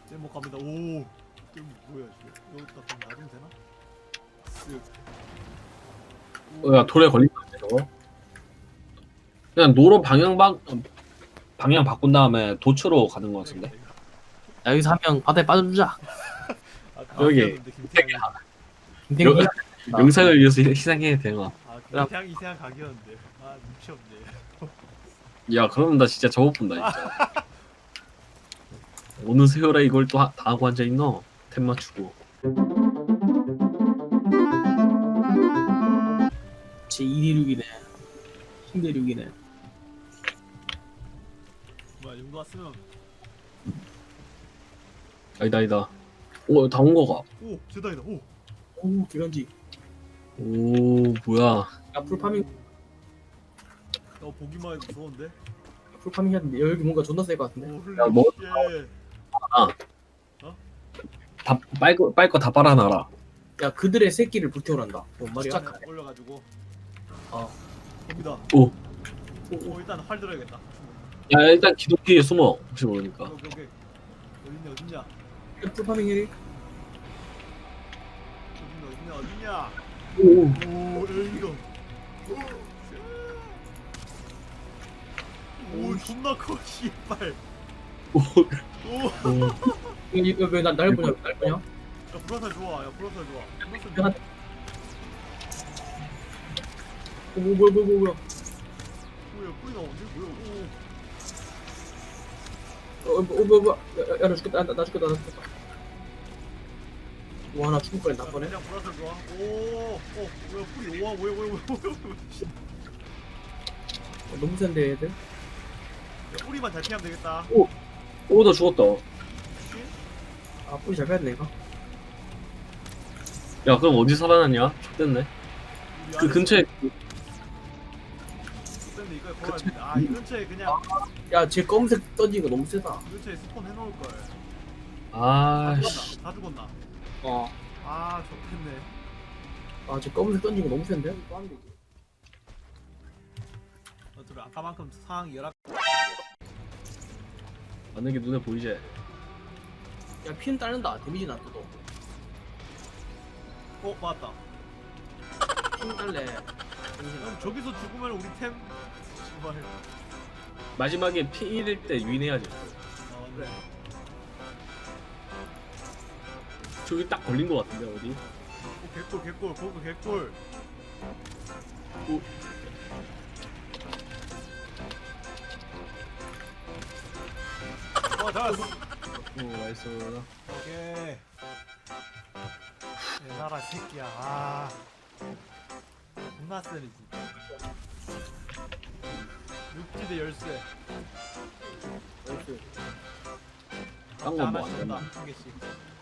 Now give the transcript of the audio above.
제목 갑니다. 오, 저기 뭐야 이거? 여기다 그냥 놔두면 되나? 쓱. 야 돌에 걸리면 안 돼, 저거. 그냥 노로 방향 바꾼 다음에 도초로 가는 거 같은데. 야, 여기서 한 명 바다에 빠져주자. 여기. 김태양이. 김태형이 영상을 위해서 희생해야 되나? 아, 김태양이 이상한 각이었는데. 아, 눈치 없네. 야 그러면 나 진짜 저거 본다 진짜. 어느 세월에 이걸 또 다 하고 앉아 있노? 템 맞추고. 제 2대륙이네. 신대륙이네. 뭐야, 용도 왔으면. 아니다. 오, 다 온 거가. 오, 제다이다. 오. 오, 기간지. 오, 뭐야. 야, 풀파밍 보기만 해도 무서운데? 했는데 여기 뭔가 존나 셀 것 같은데. 오, 야, 뭐- 예. 다 빨 거 다 빨아놔라. 야, 그들의 새끼를 불태우란다. 뭔 말이야? 쫙 올려가지고. 어. 봅니다. 오. 오, 일단 활 들어야겠다. 야 일단 기독교에 숨어. 혹시 모르니까. 오케이. 어딨냐, 어딨냐? 풀파밍 해리. 어딨냐? 오. 오, 여기가. 오, 존나 커, 씨발. 오. 오, 이거 왜날 보냐? 날 보냐? 야, 불화살 좋아. 야, 불화살 좋아. 불화살 내가 좋아. 뭐야? 뭐야, 뿌리 나오는데? 뭐야? 뭐야? 야, 나 죽겠다. 나 죽겠다. 와, 나 죽을 뻔했나 야, 뻔해. 그냥 불화살 좋아. 오, 뭐야, 뿌리. 와, 뭐야. 너무 센데 얘들. 야, 뿌리만 잘 피하면 되겠다. 오, 나 죽었다. 아, 뿌리 잘 빼야 돼 이거. 야 그럼 어디 살아났냐? X됐네. 그 근처에 근데 이거 걸어야 돼. 아, 이 근처에 그냥 야, 쟤 검은색 던진 거 너무 세다. 이 근처에 스폰 해놓을 걸. 아씨. 다 죽었나? 어. 아, 좋겠네. 아, 쟤 검은색 던진 거 너무 센데? 어차피 아까만큼 상황이 열악. 맞는 게 눈에 보이지? 야, 피는 따른다. 데미지는 안 떠도. 맞다. 피는 딸래. 그럼 저기서 죽으면 우리 템. 제발. 마지막에 P1일 때 유인해야지. 그래. 저기 딱 걸린 거 같은데 어디? 오, 개꿀. 거기 개꿀. 오. 잘했어. 오 나이스. 오케이. 내 나라 새끼야. 아. 존나 세네 진짜. 육지대 열쇠. 딴 건 뭐 하나씩 안 준다. 된다. 한 개씩.